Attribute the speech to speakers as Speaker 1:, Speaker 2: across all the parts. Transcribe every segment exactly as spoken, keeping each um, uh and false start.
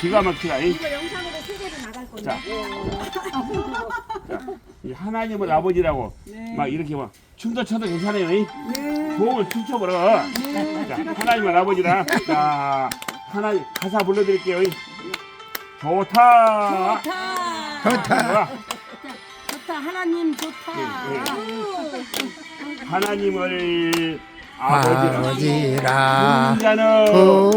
Speaker 1: 기가 막히다. 이.
Speaker 2: 이거 영상으로 세계로 나갈 건데.
Speaker 1: 자, 자, 이 하나님을 아버지라고
Speaker 3: 네.
Speaker 1: 막 이렇게 막 춤도 춰도 괜찮아요. 이. 도움을 춤춰보라. 자, 하나님을 아버지라. 자, 하나님 가사 불러드릴게요. 이. 좋다.
Speaker 2: 좋다.
Speaker 4: 좋다.
Speaker 2: 좋다. 하나님 좋다.
Speaker 1: 예, 하나님을 아버지라.
Speaker 4: 아버지라
Speaker 1: 자는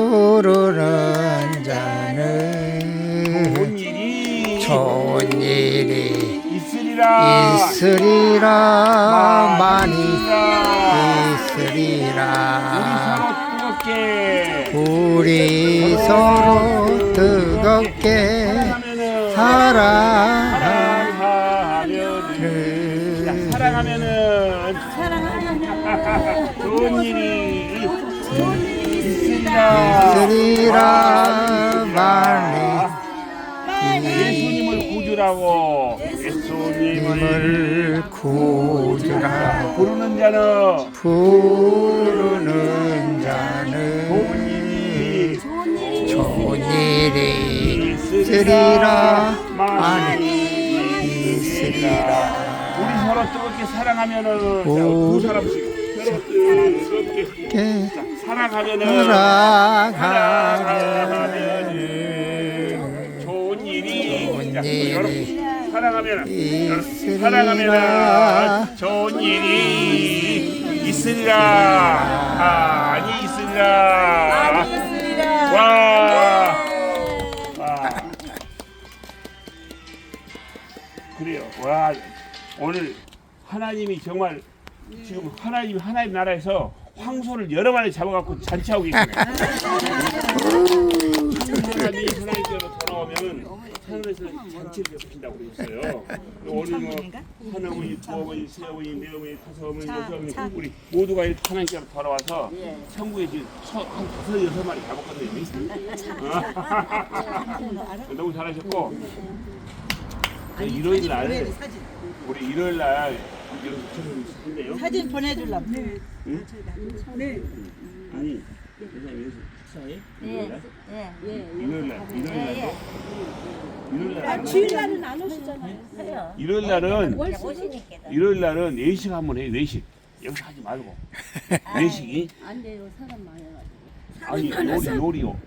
Speaker 4: 부르는 자는
Speaker 1: 좋은 일이
Speaker 4: 좋은 일이
Speaker 1: 있으리라.
Speaker 4: 있으리라 많이
Speaker 1: 우리
Speaker 4: 있으리라
Speaker 1: 서로 뜨겁게
Speaker 4: 우리 서로 뜨겁게
Speaker 1: 사랑하면은
Speaker 4: 사랑하는
Speaker 1: 사랑하면은
Speaker 2: 사랑하면
Speaker 1: 좋은 일이
Speaker 2: 좋은 일이
Speaker 1: 있으리라.
Speaker 4: 있으리라 많이
Speaker 1: 예수님을 구주라고 예수님을
Speaker 4: 힘을 구주라
Speaker 1: 부르는 자는
Speaker 4: 부르는 자는
Speaker 1: 좋은 일이
Speaker 2: 좋은 일이
Speaker 4: 좋은 일이
Speaker 1: 있으리라.
Speaker 4: 있으리라 많이
Speaker 1: 있으리라. 우리 서로 뜨겁게 사랑하면은 자, 두 사람씩 서로 뜨겁게
Speaker 4: 이렇게
Speaker 1: 자, 사랑하면은
Speaker 4: 사랑하면은
Speaker 1: 좋은 일이
Speaker 4: 좋은
Speaker 1: 자,
Speaker 4: 일이
Speaker 1: 여러분 사랑하면은
Speaker 4: 있으리라.
Speaker 1: 사랑하면은 좋은 일이 있으리라. 아니 있으리라.
Speaker 2: 많이 있으리라.
Speaker 1: 와. 와. 그래요. 와. 오늘 하나님이 정말 지금 하나님 하나님 나라에서 황소를 여러 마리 잡아갖고 잔치하고 계시네. 하나님이 하나님께로 돌아오면은 하늘에서 잔치를 베푸신다고 그랬어요. 오늘 뭐 하나님, 부어머니, 새어머니, 매어머니, 다섯어머니, 여섯어머니 우리 모두가 이렇게 하나님께로 돌아와서 천국에 지금 서- 한 다섯 여섯 마리 잡았거든요. 너무 잘하셨고 일요일 날 우리 일요일 날 이런 것처럼 있었는데요.
Speaker 3: 사진 보내주려고.
Speaker 1: 응?
Speaker 3: 네.
Speaker 1: 아니, 선생님 여기서 식사해? 일요일 날?
Speaker 2: 예, 예.
Speaker 1: 일요일 날, 일요일 날도? 일요일 날.
Speaker 2: 주일날은 안 오시잖아요. 해요.
Speaker 1: 일요일 날은
Speaker 2: 오시니까.
Speaker 1: 일요일 날은 외식 한번 해. 외식. 여기서 하지 말고. 외식이
Speaker 2: 안 돼요. 사람 많아가지고.
Speaker 1: 아니 요리 요리요.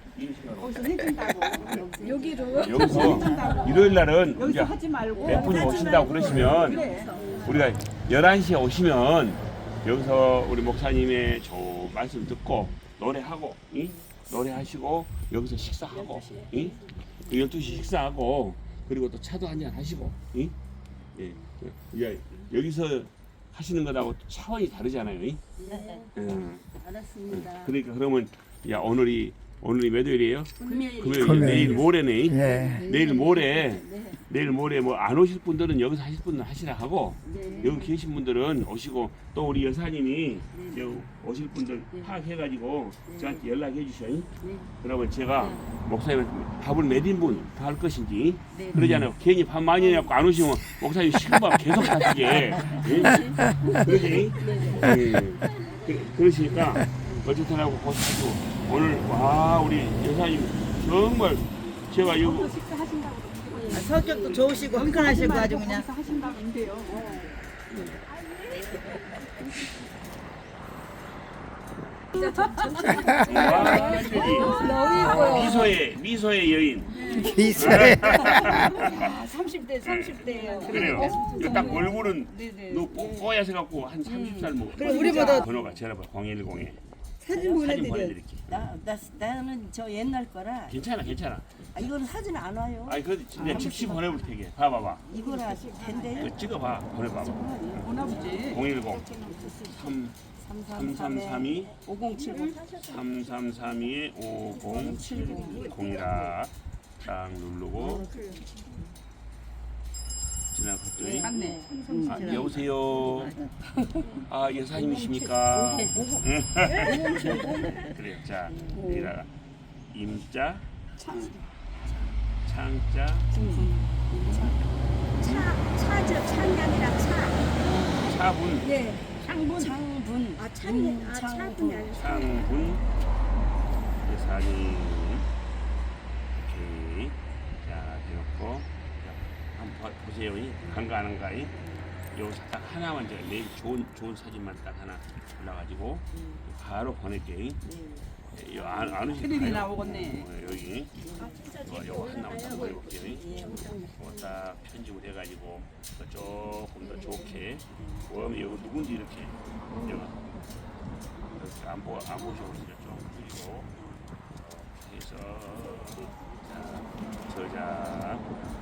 Speaker 2: 여기로.
Speaker 1: 여기서 일요일 날은 이제
Speaker 3: 여기서 하지 말고.
Speaker 1: 몇 분이 오신다고 그러시면 우리가 열한 시에 오시면 여기서 우리 목사님의 저 말씀 듣고 노래하고 이? 노래하시고 여기서 식사하고 이? 열두 시 식사하고 그리고 또 차도 한잔 하시고 이? 예. 예. 여기서 하시는 거하고 차원이 다르잖아요. 이?
Speaker 2: 네.
Speaker 1: 음.
Speaker 2: 알았습니다.
Speaker 1: 그러니까 그러면 야 오늘이 오늘이 몇 요일이에요?
Speaker 2: 금요일.
Speaker 1: 금요일.
Speaker 4: 금요일.
Speaker 1: 내일 모레네.
Speaker 4: 예.
Speaker 1: 내일 모레 내일 모레 뭐 안 오실 분들은 여기서 하실 분은 하시라 하고
Speaker 2: 네.
Speaker 1: 여기 계신 분들은 오시고 또 우리 여사님이 여기 오실 분들 파악해가지고 저한테 연락해 주셔요. 그러면 제가 목사님 밥을 몇 인분 더 할 것인지 그러잖아요. 괜히 밥 많이 해갖고 안 오시면 목사님 식은밥 계속 하시게. 예? 그러지? 예. 그, 그러시니까 어쨌든 하고 고생하시고 오늘 와 우리 여사님 정말 제가 이거
Speaker 3: 성격도 좋으시고 흥건하시고 아주 그냥.
Speaker 1: 완전히 미소의 미소의 여인.
Speaker 4: 기세
Speaker 2: 삼십 대, 삼십 대예요.
Speaker 1: 그래요. 이거 딱 얼굴은 너 뽀뽀해서 갖고 한 삼십 살 먹어.
Speaker 3: 그럼 우리보다-
Speaker 1: 번호가 전화번호 공일공에
Speaker 3: 사진
Speaker 1: 사진
Speaker 3: 보내드려.
Speaker 1: 보내드릴게.
Speaker 5: 나, 나, 나는 저 옛날 거라
Speaker 1: 괜찮아 괜찮아.
Speaker 5: 아, 이거는 사진 안 와요.
Speaker 1: 아니 그 진짜 즉시 보내볼 테게. 봐봐봐.
Speaker 5: 이거라 된대요.
Speaker 1: 그 찍어봐. 보내봐봐. 공일공 삼 삼삼삼이
Speaker 5: 오공칠공
Speaker 1: 삼삼삼이 오공칠공이라 딱 누르고 지나갔더니 아, 여보세요. 아 여사님이십니까? 그래요. 자 여기다가 임자 창자
Speaker 2: 차, 차죠. 창이 아니라 차.
Speaker 1: 차분
Speaker 2: 네.
Speaker 5: 창분 창분
Speaker 2: 아, 창이, 아, 차분이 아니라
Speaker 1: 창분 여사님 오케이 보세요. 간가 안 한가. 여기서 딱 하나만 제가 내일 좋은 좋은 사진만 딱 하나 올라가지고 바로 보낼게. 요 안, 안 오실
Speaker 3: 큰일이 나오겠네.
Speaker 1: 어, 여기 요, 요 하나만 딱 보내볼게요. 이거 딱 편집을 해가지고 조금 더 좋게. 그러면 여기 누군지 이렇게 여기 이렇게 안 보, 안 보셔서 좀 그리고 해서 자 저장